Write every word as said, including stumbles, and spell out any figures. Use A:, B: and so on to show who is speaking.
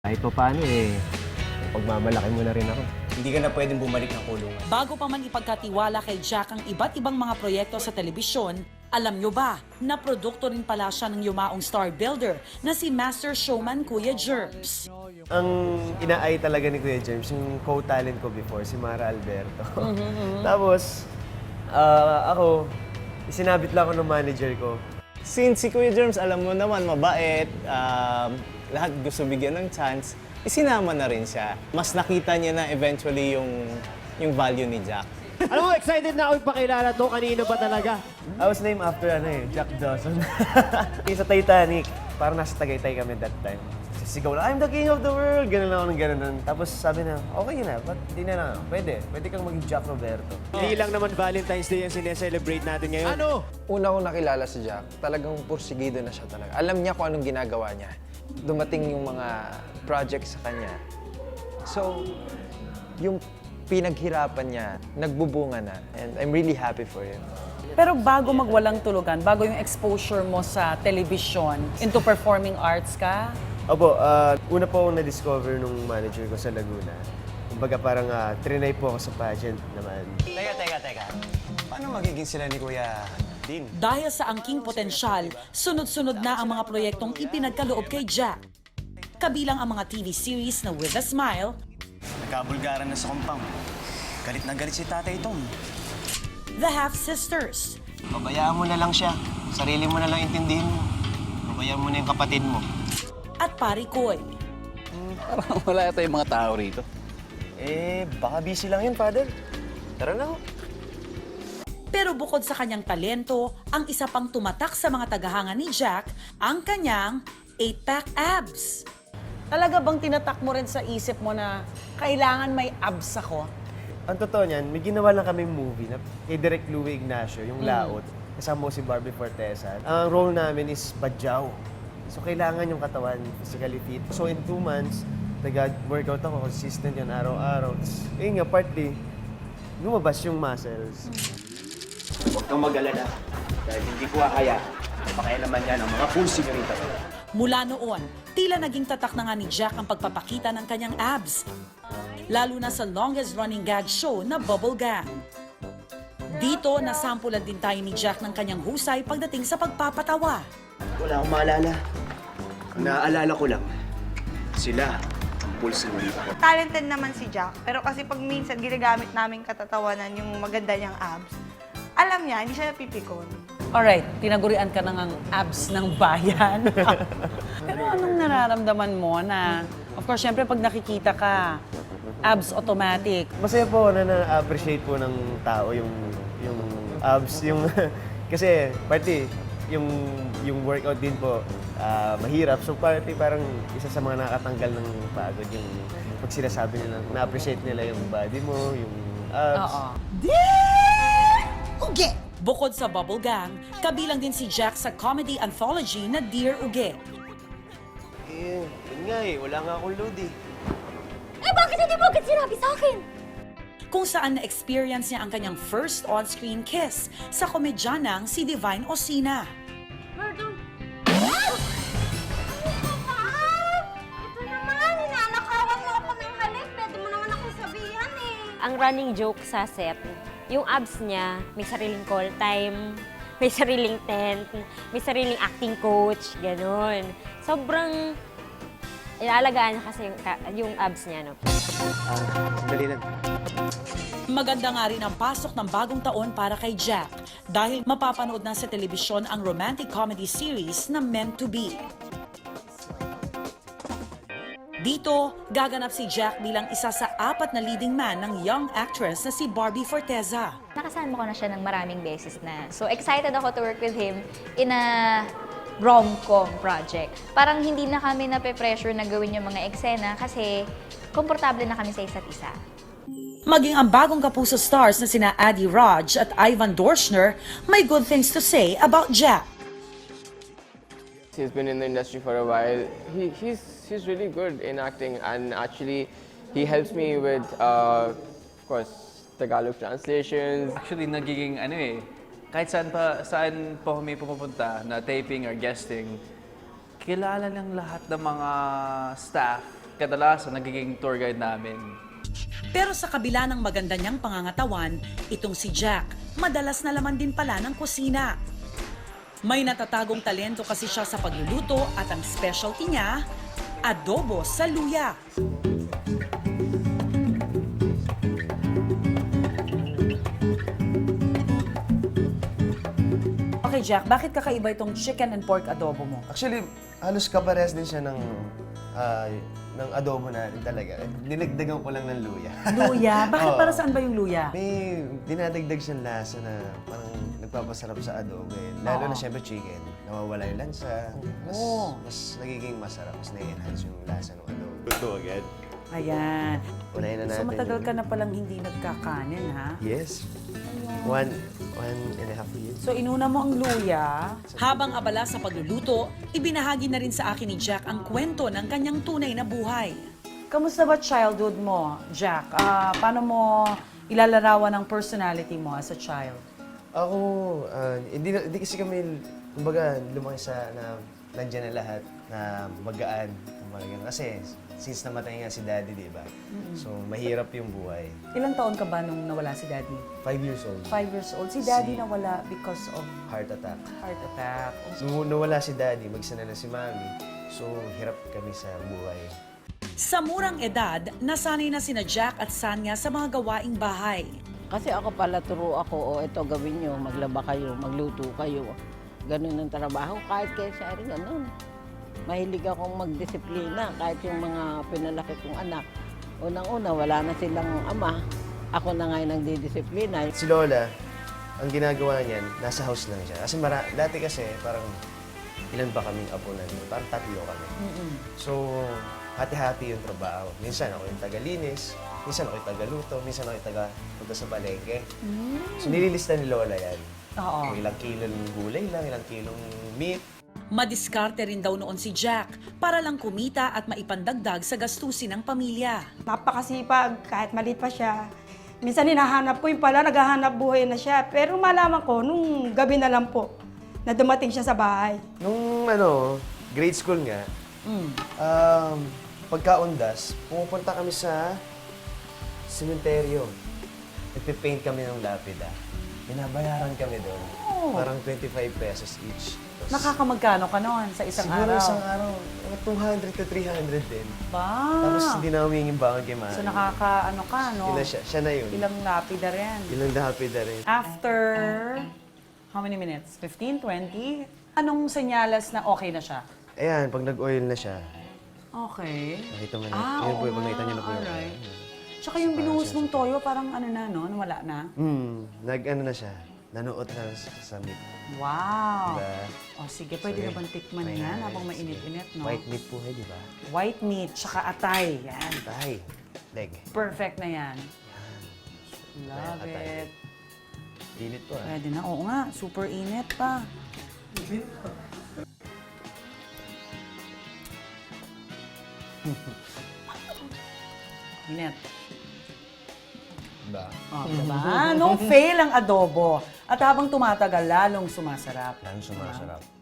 A: Kahit pa paano eh, pagmamalaki mo na rin ako.
B: Hindi ka na pwedeng bumalik ng kulungan.
C: Bago pa man ipagkatiwala kay Jack ang iba't ibang mga proyekto sa telebisyon, alam nyo ba na produkto rin pala siya ng yumaong star builder na si Master Showman Kuya Germs.
A: Ang inaay talaga ni Kuya James, yung co-talent ko before, si Mara Alberto. Tapos, ah, ako, isinabit lang ako ng manager ko.
B: Since si Kuya Germs, alam mo naman, mabait, um, lahat gusto bigyan ng chance, isinama na rin siya. Mas nakita niya na eventually yung, yung value ni Jack.
D: Alam mo, excited na ako ipakilala to. Kanino ba talaga?
A: I was named after ano eh, Jack Dawson. Sa Titanic, parang nasa Tagaytay kami that time. Sigaw na, I'm the king of the world! Ganun lang ako ng ganun. Tapos sabi na, okay na, ba't hindi na lang? Pwede, pwede kang maging Jack Roberto.
D: Hindi lang naman Valentine's Day ang sineselebrate natin ngayon. Ano?
E: Una kong nakilala si Jack, talagang pursigido na siya talaga. Alam niya kung anong ginagawa niya. Dumating yung mga projects sa kanya. So, yung pinaghirapan niya, nagbubunga na. And I'm really happy for him.
C: Pero bago magwalang tulugan, bago yung exposure mo sa television, into performing arts ka,
A: Opo, ah, una po akong na-discover nung manager ko sa Laguna. Kumbaga parang uh, trinay po ako sa pageant naman.
B: Teka, teka, teka. Paano magiging sila ni Kuya Dean?
C: dahil sa angking potensyal, sunod-sunod na ang mga proyektong ipinagkaloob kay Jack. Kabilang ang mga T V series na With a Smile,
B: Nagkabulgaran na sa compound. Galit na galit si Tatay Tom.
C: The Half Sisters,
B: Pabayaan mo na lang siya. Sarili mo na lang intindihin mo. Pabayaan mo na yung kapatid mo.
C: at Parikoy.
F: Parang wala yata yung mga tao rito.
A: Eh, baka busy lang yun, Father. Tara na ho.
C: Pero bukod sa kanyang talento, ang isa pang tumatak sa mga tagahanga ni Jack, ang kanyang eight-pack abs. Talaga bang tinatak mo rin sa isip mo na kailangan may abs ako?
A: Ang totoo niyan, may ginawa lang kaming movie na kay Direk Louie Ignacio, yung Laot. Kasama mo si Barbie Fortesa. Ang role namin is badyaw. So, kailangan yung katawan physically fit. So, in two months, nag-workout ako, consistent yun araw-araw. Tapos, yun nga, partly, lumabas yung muscles.
G: Huwag kang mag-alala dahil hindi ko hahaya na pakialaman yan ang mga full sigurita ko.
C: Mula noon, tila naging tatak na nga ni Jack ang pagpapakita ng kanyang abs. Lalo na sa longest-running gag show na Bubble Gang. Dito, nasampulan din tayo ni Jack ng kanyang husay pagdating sa pagpapatawa.
G: Wala akong maalala. Ang naaalala ko lang, sila ang full sigurita ko.
H: Talented naman si Jack, pero kasi pag minsan ginagamit namin katatawanan yung maganda niyang abs, alam niya, hindi siya napipikon.
C: Alright, tinagurian ka na ng abs ng bayan. Pero anong nararamdaman mo na, of course, syempre pag nakikita ka, abs automatic.
A: Masaya po na na-appreciate po ng tao yung yung abs, yung kasi party yung yung workout din po ah, mahirap. So party parang isa sa mga nakakatanggal ng pagod yung pag sinasabi nila na-appreciate nila yung body mo, yung abs.
C: Oo. Uge! Bukod sa Bubble Gang, kabilang din si Jack sa comedy anthology na Dear Uge.
A: Eh, yun nga eh, wala nga akong load eh.
I: Eh, bakit hindi mo agad sinabi sa akin?
C: Kung saan na-experience niya ang kanyang first on-screen kiss sa komedyanang si Divine Osina.
I: Murdo. Ito naman, ninanakawan mo ako ng halik. Pwede mo naman akong sabihan eh.
J: Ang running joke sa set, yung abs niya, may sariling call time, may sariling tent, may sariling acting coach, ganun. Sobrang ilalagaan niya kasi yung, yung abs niya, no?
A: Ah, dali lang.
C: Maganda nga rin ang pasok ng bagong taon para kay Jack dahil mapapanood na sa telebisyon ang romantic comedy series na Meant to Be. Dito, gaganap si Jack bilang isa sa apat na leading man ng young actress na si Barbie Fortesa.
I: Nakasama ko na siya ng maraming beses na. So excited ako to work with him in a rom-com project. Parang hindi na kami nape-pressure na gawin yung mga eksena kasi komportable na kami sa isa't isa.
C: Maging ang bagong kapuso stars na sina Addie Raj at Ivan Dorschner may good things to say about Jack.
K: He's been in the industry for a while. He, he's, he's really good in acting, and actually he helps me with, uh, of course, Tagalog translations.
F: Actually, nagiging ano eh, kahit saan pa, saan po kami pumupunta na taping or guesting, kilala ng lahat ng mga staff kadalasan nagiging tour guide namin.
C: Pero sa kabila ng maganda niyang pangangatawan, itong si Jack, madalas na laman din pala ng kusina. May natatagong talento kasi siya sa pagluluto at ang specialty niya, adobo sa luya. Okay, Jack, bakit kakaiba itong chicken and pork adobo mo?
A: Actually, halos kapares din siya ng ah, ng adobo natin talaga. Dinagdagan ko lang ng luya.
C: Luya? Bakit
A: Oo.
C: para saan ba yung luya?
A: May dinadagdag siyang lasa na parang nagpapasarap sa adobo eh. Lalo
C: Oo.
A: na siyempre chicken. Nawawala yung lansa. Mas,
C: Oo.
A: mas nagiging masarap. Mas na-enhance yung lasa ng adobo. Luto agad.
C: Ayan.
A: Unahin na
C: So
A: natin
C: matagal
A: yung-
C: ka na palang hindi nagkakanin, ha?
A: Yes. One, one and a half years.
C: So inuna mo ang luya. Habang abala sa pagluluto, ibinahagi na rin sa akin ni Jack ang kwento ng kanyang tunay na buhay. Kamusta ba childhood mo, Jack? Ah, paano mo ilalarawan ang personality mo as a child?
A: Ako, ah, hindi, na- hindi kasi kami, kumbaga, lumaki sa na nandiyan na lahat, na magaan. Kumbaga, ganun. Kasi since namatay nga si Daddy, di ba? So, mahirap yung buhay.
C: Ilang taon ka ba nung nawala si Daddy?
A: Five years old.
C: Five years old. Si Daddy
A: Si-
C: nawala because of
A: Heart attack.
C: heart attack.
A: Nung nawala si Daddy, magsana na si Mami. So, hirap kami sa buhay.
C: Sa murang edad, nasanay na sina Jack at Sanya sa mga gawaing bahay.
L: Kasi ako pala turo ako, o ito gawin nyo, maglaba kayo, magluto kayo. Ganun ang trabaho, kahit kay Shari, ganun. Mahilig akong magdisiplina, kahit yung mga pinalaki kong anak. Unang-una, wala na silang ama. Ako na nga yung nagdidisiplina.
A: Si Lola, ang ginagawa niyan, nasa house lang siya. Kasi mara, dati kasi, parang ilan ba kaming apo na niyo? Parang tatlo kami. So, hati-hati yung trabaho. Minsan ako yung tagalinis, minsan ako yung tagaluto, minsan ako yung taga-punta sa palengke. So, nililista ni Lola yan.
C: Oo.
A: Kung ilang kilong gulay lang, ilang kilong meat.
C: Madiskarte rin daw noon si Jack para lang kumita at maipandagdag sa gastusin ng pamilya.
H: Napakasipag, kahit maliit pa siya. Minsan hinahanap ko yung pala, naghahanap buhay na siya. Pero malaman ko, nung gabi na lang po, na dumating siya sa bahay.
A: Nung ano, grade school nga, um, pagkaundas, pumupunta kami sa sementeryo. Nagpipaint kami ng lapida. Binabayaran kami doon. Parang twenty-five pesos each. Tapos,
C: Nakakamagkano ka noon sa isang
A: siguro
C: araw?
A: isang araw, mga two hundred to three hundred din.
C: Ba?
A: Tapos hindi na humingin bangon kay Mami.
C: So nakaka, ano ka, no?
A: Ilan siya? Siya na yun.
C: Ilang lapida rin.
A: Ilang lapida rin.
C: After, how many minutes? fifteen, twenty? Anong senyalas na okay na siya?
A: Ayan, pag nag-oil na siya,
C: Okay.
A: nakita mo na.
C: Ah,
A: yun po
C: oo
A: yung pag nakita niyo na po
C: nga,
A: yung
C: alright.
A: oil.
C: Tsaka yung binuhos mong toyo, parang ano na, no? Wala na.
A: Hmm, nag-ano na siya. Nanuot na sa, sa meat.
C: Wow.
A: Diba?
C: O sige, pwede
A: Sige.
C: na bang tikman
A: Try
C: yan
A: natin.
C: habang mainit-init, no?
A: White meat po, eh, di ba?
C: White meat, tsaka atay. Yan.
A: Tay. Leg.
C: Perfect na yan. Love
A: Atay.
C: it.
A: Init po ah.
C: Pwede na. Oo nga, super init pa. Init.
A: Diba?
C: Oh, diba? No fail ang adobo. At habang tumatagal, lalong sumasarap.
A: Lalo sumasarap.